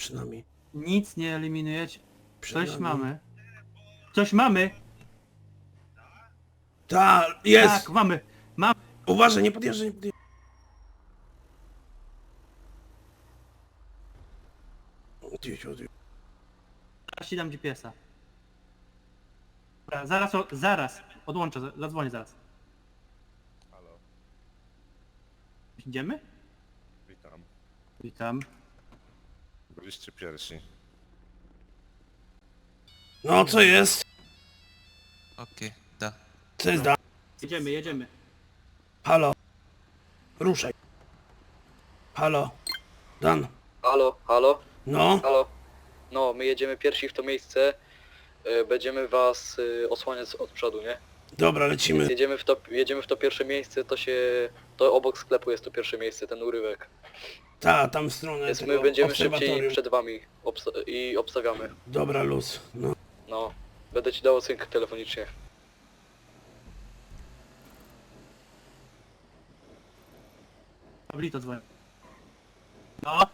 przynajmniej. Nic nie eliminujecie. Coś Przynajmniej. mamy. Coś mamy! Tak, jest! Tak, mamy! Uważaj, nie podjeżdżaj, nie podjeżdżaj. Odjedź. Zaraz ci dam GPS-a. Dobra, zaraz. Odłączę, zadzwonię zaraz. Halo, Idziemy? witam. Witam. Byliście pierwsi. No, co jest? Окей, да. Co jest da? Jedziemy. Halo. Ruszaj. Halo. Dan. Halo? No. Halo? No, my jedziemy pierwsi w to miejsce. Będziemy was osłaniać od przodu, nie? Dobra, lecimy. Więc jedziemy w to pierwsze miejsce, to obok sklepu jest to pierwsze miejsce, ten urywek. Ta, tam w stronę Więc tego my będziemy szybciej obserwatorium. przed wami i obstawiamy. Dobra, luz. No. No, będę ci dał ocynkę telefonicznie. Pablito dzwoni. No.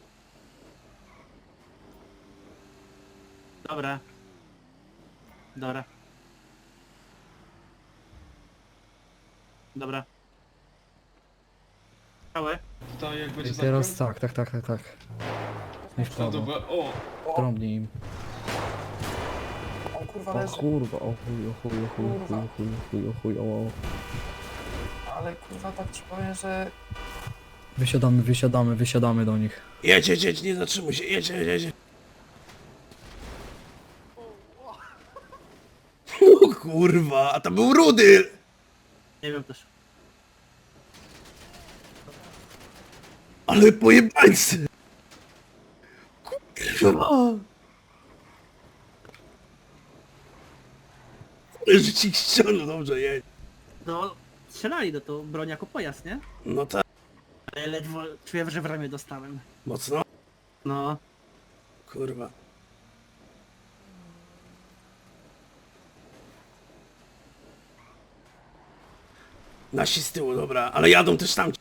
Dobra. Całe? To jak będzie I teraz zakręt, tak. Nie w to prawo. dobra. O! Trąbnij im. O kurwa, O leży. kurwa, o chuj, o. Ale kurwa, tak ci powiem, że... Wysiadamy do nich. Jedź, nie zatrzymuj się, jedź. O kurwa, a to był Rudy! Nie wiem też. Ale pojebańcy! Kurwa! Ale że ci ściągnął, dobrze, jedź. No, strzelali do to broń jako pojazd, nie? No tak, Ale ledwo czuję, że w ramię dostałem. mocno. No. Kurwa. Nasi z tyłu, dobra, ale jadą też tam.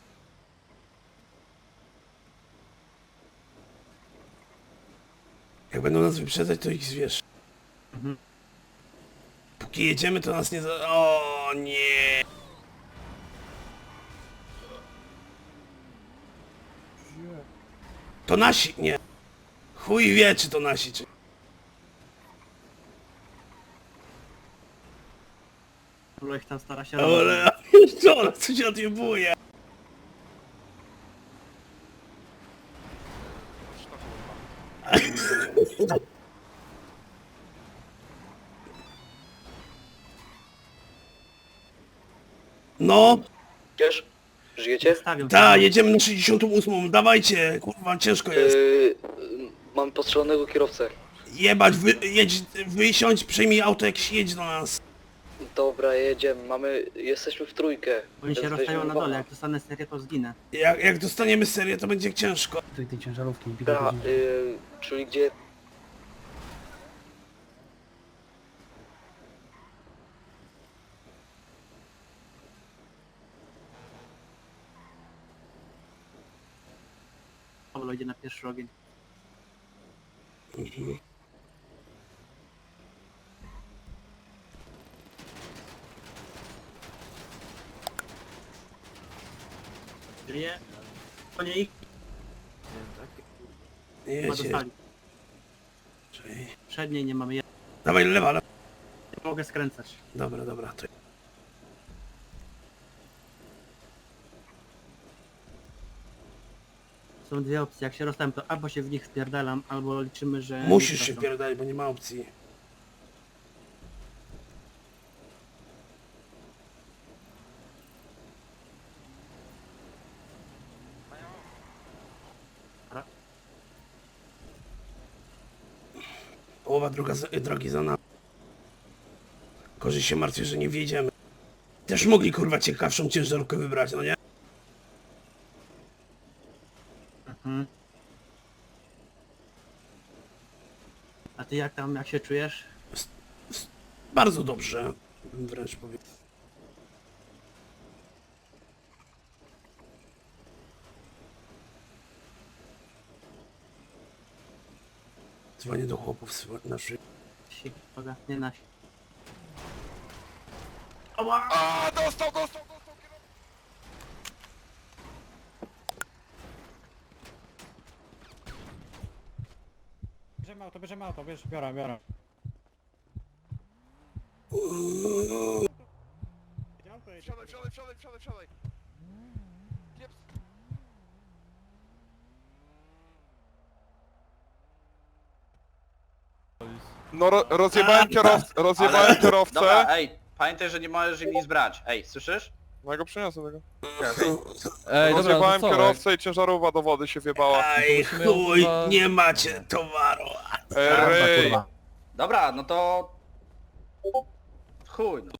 Jak będą nas wyprzedzać, to ich zwierz. Mhm. Póki jedziemy, to nas nie za... O nie! To nasi, nie. Chuj wie, czy to nasi, czy... Bo ich tam stara się Ale... Co ona, co się odjebuje? No, Wiesz? Żyjecie? Stawiam. ta, jedziemy na 68, dawajcie, kurwa, ciężko jest. Mam postrzelonego kierowcę. Jebać, wysiądź, przejmij auto, jak jedź do nas. Dobra, jedziemy, jesteśmy w trójkę. Oni się więc rozstają weźmiemy na dole, wana. jak dostanę serię, to zginę. Jak dostaniemy serię, to będzie ciężko. Tej ciężarówki nie Dobra, czyli gdzie... Pablo idzie na pierwszy ogień. Żyje. Po niej. Chyba Jedź. dostali. Przedniej nie mamy. Ja Dawaj, lewa, lewa. nie mogę skręcać. Dobra, to... Są dwie opcje. Jak się rozstałem, to albo się w nich spierdalam, albo liczymy, że... Musisz nie się trafią. wpierdać, bo nie ma opcji. Połowa drogi za nami. Gorzej się martwię, że nie wjedziemy. Też mogli, kurwa, ciekawszą ciężarówkę wybrać, no nie? Mhm. A ty jak tam, jak się czujesz? Bardzo dobrze, bym wręcz powiedział. Dzwonię do chłopów naszych. Uwaga, nie nasi. A, dostał! Bierzemy auto, biorę. Wsiadaj! No rozjebałem kierowcę. Dobra, ej, pamiętaj, że nie możesz im nic brać. Ej, słyszysz? No ja go przyniosę tego. Ej, dobra, Rozjebałem to co? kierowcę i ciężarówka do wody się wjebała. Aj, chuj, nie macie towaru. Ej, Dobra, no to... Chuj, no.